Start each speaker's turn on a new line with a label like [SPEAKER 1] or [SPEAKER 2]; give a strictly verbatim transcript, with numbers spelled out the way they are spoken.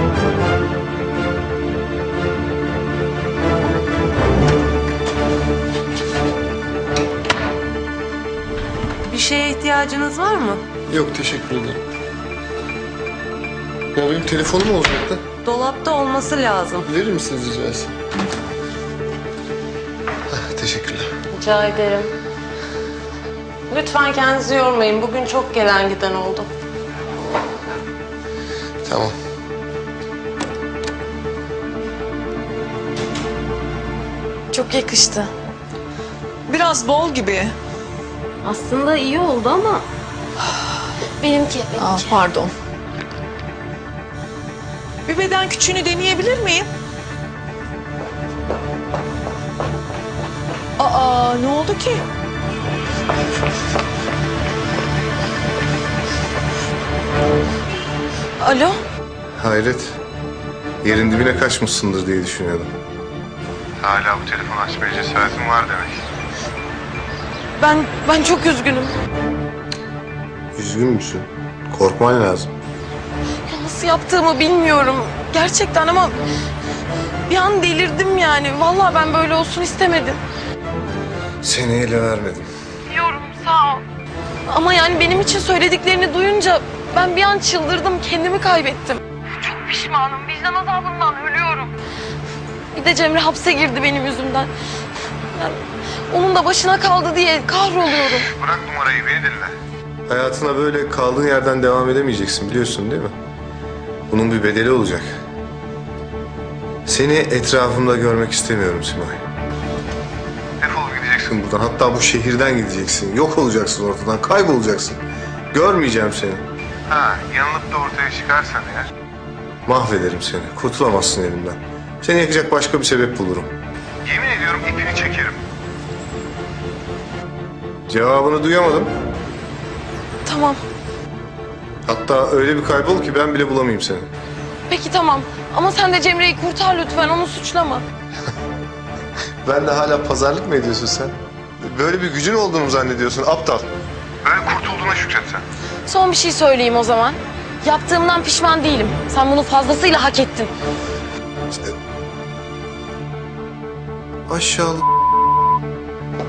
[SPEAKER 1] Bir şeye ihtiyacınız var mı?
[SPEAKER 2] Yok, teşekkür ederim. Ya benim telefonum olacaktı.
[SPEAKER 1] Dolapta olması lazım.
[SPEAKER 2] Verir misiniz rica etsem? Heh, teşekkürler.
[SPEAKER 1] Rica ederim. Lütfen kendinizi yormayın. Bugün çok gelen giden oldu.
[SPEAKER 2] Tamam.
[SPEAKER 3] Çok yakıştı. Biraz bol gibi.
[SPEAKER 1] Aslında iyi oldu ama...
[SPEAKER 4] Benimki,
[SPEAKER 3] Aa,
[SPEAKER 4] benimki.
[SPEAKER 3] pardon. Bir beden küçüğünü deneyebilir miyim? Aa, ne oldu ki? Alo?
[SPEAKER 2] Hayret. Yerin dibine kaçmışsındır diye düşünüyordum. Hala bu telefonu açmaya cesaretin var demek.
[SPEAKER 3] Ben, ben çok üzgünüm.
[SPEAKER 2] Üzgün müsün? Korkman lazım.
[SPEAKER 3] Ya nasıl yaptığımı bilmiyorum. Gerçekten ama bir an delirdim yani. Vallahi ben böyle olsun istemedim.
[SPEAKER 2] Seni ele vermedim.
[SPEAKER 3] Biliyorum, sağ ol. Ama yani benim için söylediklerini duyunca ben bir an çıldırdım, kendimi kaybettim. Çok pişmanım, vicdan azabından ölüyorum. Bir de Cemre hapse girdi benim yüzümden. Yani onun da başına kaldı diye kahroluyorum.
[SPEAKER 2] Bırak numarayı, beni dinle. Hayatına böyle kaldığın yerden devam edemeyeceksin, biliyorsun değil mi? Bunun bir bedeli olacak. Seni etrafımda görmek istemiyorum Simay. Defol gideceksin buradan, hatta bu şehirden gideceksin. Yok olacaksın ortadan, kaybolacaksın. Görmeyeceğim seni. Ha, yanılıp da ortaya çıkarsan eğer... Mahvederim seni, kurtulamazsın elimden. Seni yakacak başka bir sebep bulurum. Yemin ediyorum ipini çekerim. Cevabını duyamadım.
[SPEAKER 3] Tamam,
[SPEAKER 2] Hatta öyle bir kaybol ki ben bile bulamayayım seni.
[SPEAKER 3] peki tamam. Ama sen de Cemre'yi kurtar lütfen, onu suçlama.
[SPEAKER 2] Ben de hala pazarlık mı ediyorsun sen? Böyle bir gücün olduğunu mu zannediyorsun aptal? Böyle kurtulduğuna şükret sen.
[SPEAKER 3] Son bir şey söyleyeyim o zaman. Yaptığımdan pişman değilim. Sen bunu fazlasıyla hak ettin.
[SPEAKER 2] Aşağılık.